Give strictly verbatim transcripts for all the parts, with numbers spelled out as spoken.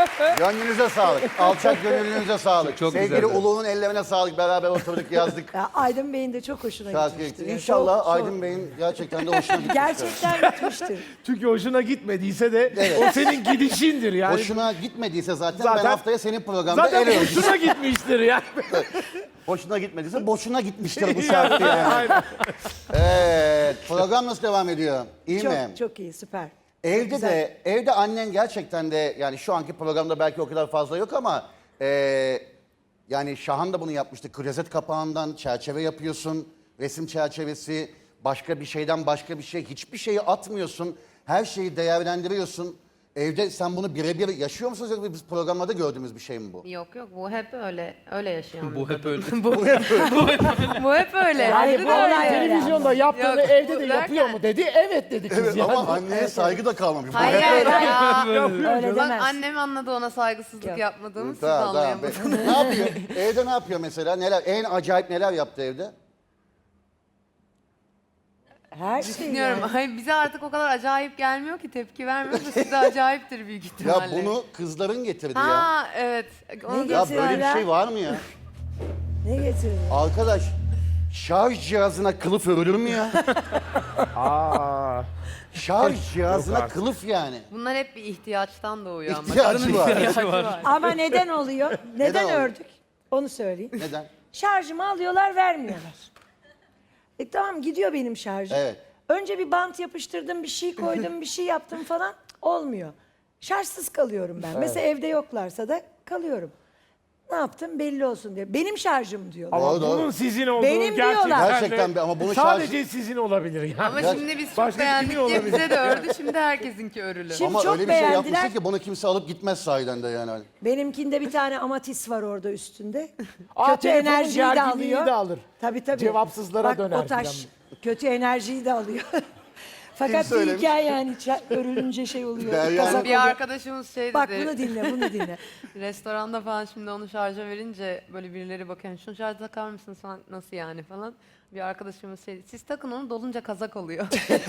Gönlünüze sağlık. Alçak gönlünüze sağlık. Çok Sevgili güzeldi. Ulu'nun ellerine sağlık. Beraber oturduk yazdık. Ya Aydın Bey'in de çok hoşuna Şarkı gitmiştir. ekti. Yani İnşallah çok- çok- Aydın Bey'in gerçekten de hoşuna gitmiştir. Gerçekten gitmiştir. Çünkü hoşuna gitmediyse de Evet. o senin gidişindir yani. Hoşuna gitmediyse zaten, Zaten- ben haftaya senin programda Zaten el örgüsü. hoşuna gitmiştir yani. Hoşuna gitmediyse boşuna gitmiştir bu şarkı yani. Aynen. Evet, program nasıl devam ediyor? İyi mi? Çok çok iyi, süper. Çok Evde güzel. de, evde annen gerçekten de, yani şu anki programda belki o kadar fazla yok ama e, yani Şahan da bunu yapmıştı. Klozet kapağından çerçeve yapıyorsun, resim çerçevesi, başka bir şeyden başka bir şey, hiçbir şeyi atmıyorsun, her şeyi değerlendiriyorsun. Evde sen bunu birebir yaşıyor musunuz yoksa biz programlarda gördüğümüz bir şey mi bu? Yok yok bu hep öyle öyle yaşayan. Bu hep öyle. bu hep öyle. bu hep öyle. Yani Ayrı bu da olay öyle. öyle. Televizyonda yaptığını Yok, evde bu de derken- yapıyor mu dedi. Evet dedi kız Evet yani. ama anneye saygı da kalmamış. Bu Hayır hep hayır öyle. ya. Öyle Bak demez. annem anladı ona saygısızlık Yok. yapmadığımı siz Tamam, tamam. anlayamadınız. ne yapıyor? Evde ne yapıyor mesela? Neler? En acayip neler yaptı evde? Her şey Düşünüyorum. yani. Hayır, bize artık o kadar acayip gelmiyor ki tepki vermiyoruz da size acayiptir büyük Ya ihtimalle. bunu kızların getirdi ya. Ha evet. Onu Ne Ya getirdiler? böyle bir şey var mı ya? Ne getirdin? Arkadaş, şarj cihazına kılıf örülür mü ya? Aa. Şarj cihazına artık. kılıf yani. Bunlar hep bir ihtiyaçtan doğuyor ama. İhtiyacı var. İhtiyacı var. Ama neden oluyor? Neden, Neden oluyor? ördük? Onu söyleyeyim. Neden? Şarjımı alıyorlar, vermiyorlar. E tamam, gidiyor benim şarjım. Evet. Önce bir bant yapıştırdım, bir şey koydum, bir şey yaptım falan. Olmuyor. Şarjsız kalıyorum ben. Mesela evde yoklarsa da kalıyorum. Ne yaptım belli olsun diye. Benim şarjım diyorlar. Ama Doğru, doğru. bunun sizin olduğu Benim gerçekten diyorlar. de Gerçekten bir- ama bunu sadece sizin olabilir yani. Ama Ya- şimdi biz çok Başka beğendik kimin diye olabilir? bize de ördü. Şimdi herkesinki örülü. Şimdi Ama çok öyle bir şey beğendiler. yapmışsın ki bunu kimse alıp gitmez sahiden de yani. Benimkinde bir tane amatis var orada üstünde. Aa, kötü telefonun enerjiyi de gerginliği alıyor. de alır. Tabii tabii. Cevapsızlara Bak, döner o taş filan. kötü enerjiyi de alıyor. Fakat bir söylemiş? hikaye yani ça- örülünce şey oluyor. Derya- kazak Bir oluyor. arkadaşımız şey dedi. Bak bunu dinle, bunu dinle. Restoranda falan şimdi onu şarja verince böyle birileri bakıyor. Şunu şarja takar mısınız falan, nasıl yani falan. Bir arkadaşımız şey, siz takın onu dolunca kazak oluyor.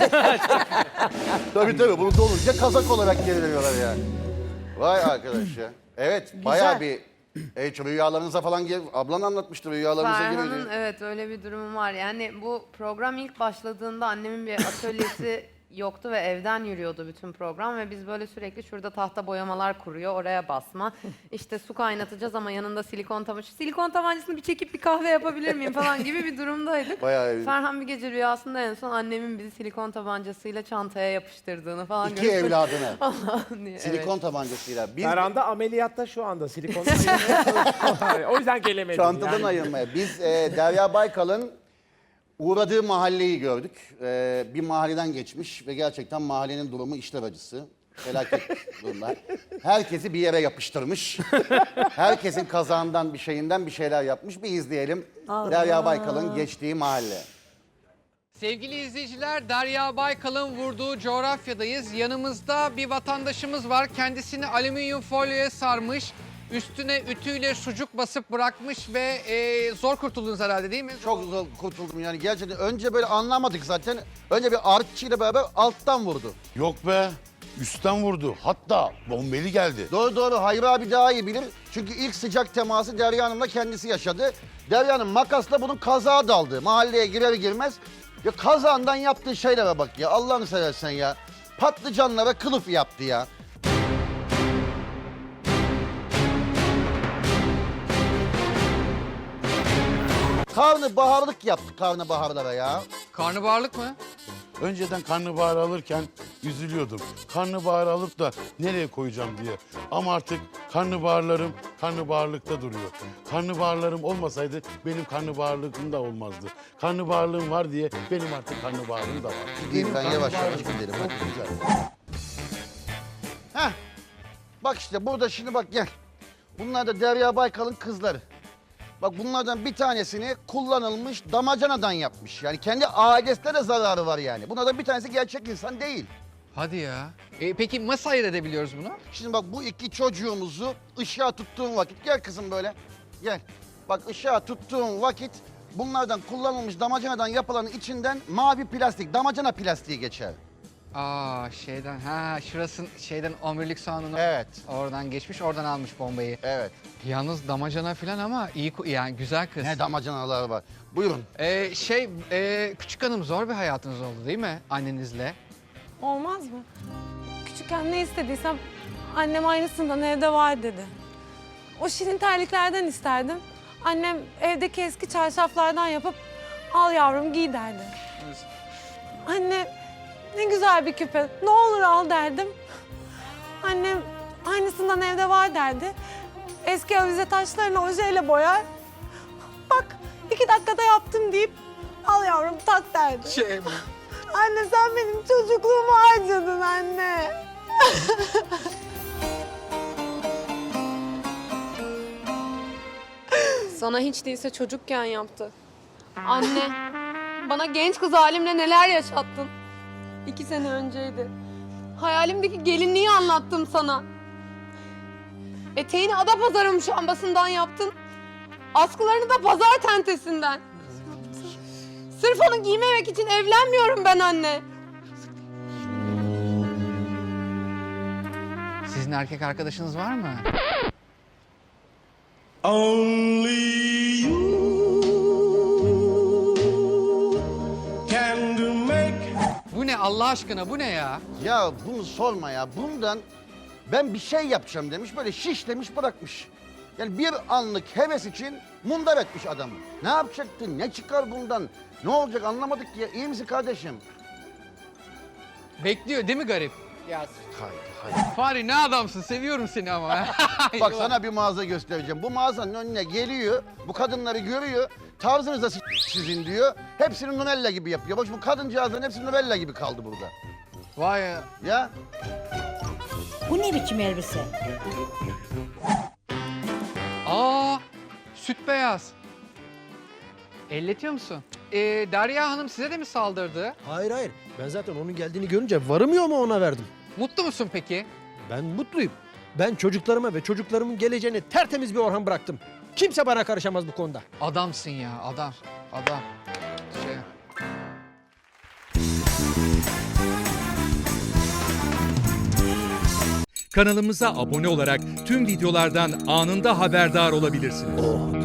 Tabii tabii bunu dolunca kazak olarak geri veriyorlar yani. Vay arkadaş ya. Evet bayağı bir e, rüyalarınıza falan gel. Ablan anlatmıştı rüyalarınıza Ferhan'ın giriyor. evet öyle bir durumu var. Yani bu program ilk başladığında annemin bir atölyesi yoktu ve evden yürüyordu bütün program ve biz böyle sürekli şurada tahta boyamalar kuruyor, oraya basma. İşte su kaynatacağız ama yanında silikon tabancası. Silikon tabancasını bir çekip bir kahve yapabilir miyim falan gibi bir durumdaydık. Bayağı iyi. Ferhan bir gece rüyasında en son annemin bizi silikon tabancasıyla çantaya yapıştırdığını falan İki görüp- evladını. Allah'ım diye. Silikon tabancasıyla. Biz Ferhan'da ameliyatta şu anda silikon. O yüzden gelemedim. çantadan yani. ayırmaya. Biz e, Derya Baykal'ın uğradığı mahalleyi gördük. E, bir mahalleden geçmiş ve gerçekten mahallenin durumu işler acısı. Felaket durumlar. Herkesi bir yere yapıştırmış. Herkesin kazağından bir şeyinden bir şeyler yapmış. Bir izleyelim. Derya Baykal'ın geçtiği mahalle. Sevgili izleyiciler, Derya Baykal'ın vurduğu coğrafyadayız. Yanımızda bir vatandaşımız var. Kendisini alüminyum folyoya sarmış. Üstüne ütüyle sucuk basıp bırakmış ve e, zor kurtuldunuz herhalde değil mi? Çok zor kurtuldum yani gerçekten. Önce böyle anlamadık zaten. Önce bir artçıyla beraber alttan vurdu. Yok be. Üstten vurdu. Hatta bombeli geldi. Doğru doğru Hayri abi daha iyi bilir. Çünkü ilk sıcak teması Derya Hanım'la kendisi yaşadı. Derya Hanım makasla bunun kazağa daldı. Mahalleye girer girmez. Ya kazağından yaptığı şeylere bak ya. Allah'ını seversen ya. Patlıcanlara kılıf yaptı ya. Karnabaharlık yaptı karnabaharlara ya. Karnabaharlık mı? Önceden karnabahar alırken üzülüyordum. Karnabahar alıp da nereye koyacağım diye. Ama artık karnabaharlarım karnabaharlıkta duruyor. Karnabaharlarım olmasaydı benim karnabaharlığım da olmazdı. Karnabaharlığım var diye benim artık karnabaharım da var. Gideyim ben yavaş yavaş gidelim. Çok Hadi. güzel. Heh. Bak işte burada şimdi bak gel. Bunlar da Derya Baykal'ın kızları. Bak bunlardan bir tanesini kullanılmış damacanadan yapmış. Yani kendi ailesine de zararı var yani. Bunlardan bir tanesi gerçek insan değil. Hadi ya. E, peki nasıl ayırt edebiliyoruz bunu? Şimdi bak bu iki çocuğumuzu ışığa tuttuğun vakit, gel kızım böyle, gel. Bak ışığa tuttuğun vakit bunlardan kullanılmış damacanadan yapılanın içinden mavi plastik, damacana plastiği geçer. Aa şeyden ha şurasın şeyden omurilik soğanını Evet. oradan geçmiş oradan almış bombayı. Evet. Yalnız damacana falan ama iyi ku- yani güzel kız. Ne damacanalar var. Buyurun. Ee, şey e, küçük hanım zor bir hayatınız oldu değil mi annenizle? Olmaz mı? Küçükken ne istediysem annem aynısından evde var dedi. O şirin terliklerden isterdim. Annem evdeki eski çarşaflardan yapıp al yavrum giy derdi. Anne ne güzel bir küpe ne olur al derdim. Annem aynısından evde var derdi. Eski avize taşlarını ojeyle boyar. Bak iki dakikada yaptım deyip al yavrum tak derdi. Şey Anne sen benim çocukluğumu harcadın anne. Sana hiç değilse çocukken yaptı. Anne, bana genç kız halimle neler yaşattın. İki sene önceydi. Hayalimdeki gelinliği anlattım sana. Eteğini Adapazarı muşambasından yaptın. Askılarını da pazar tentesinden. Sırf onu giymemek için evlenmiyorum ben anne. sizin erkek arkadaşınız var mı? Only you can do make. Bu ne Allah aşkına bu ne ya? Ya bunu sorma ya. Bundan ben bir şey yapacağım demiş. Böyle şiş demiş bırakmış. Yani bir anlık heves için mundar etmiş adamı. Ne yapacaktın? Ne çıkar bundan? Ne olacak anlamadık ki ya. İyi misin kardeşim? Bekliyor değil mi garip? Ya Haydi haydi. Fahri ne adamsın seviyorum seni ama. Bak sana bir mağaza göstereceğim. Bu mağazanın önüne geliyor. Bu kadınları görüyor. Tarzınız da s- sizin diyor. Hepsini Nunella gibi yapıyor. Bak bu kadıncağızların hepsi Nunella gibi kaldı burada. Vay ya. Ya Bu ne biçim elbise? Aa süt beyaz. Elletiyor musun? Ee, Derya Hanım size de mi saldırdı? Hayır hayır. Ben zaten onun geldiğini görünce varımı yoğumu ona verdim. Mutlu musun peki? Ben mutluyum. Ben çocuklarıma ve çocuklarımın geleceğini tertemiz bir Orhan bıraktım. Kimse bana karışamaz bu konuda. Adamsın ya adam. Adam. Şey. Kanalımıza abone olarak tüm videolardan anında haberdar olabilirsiniz.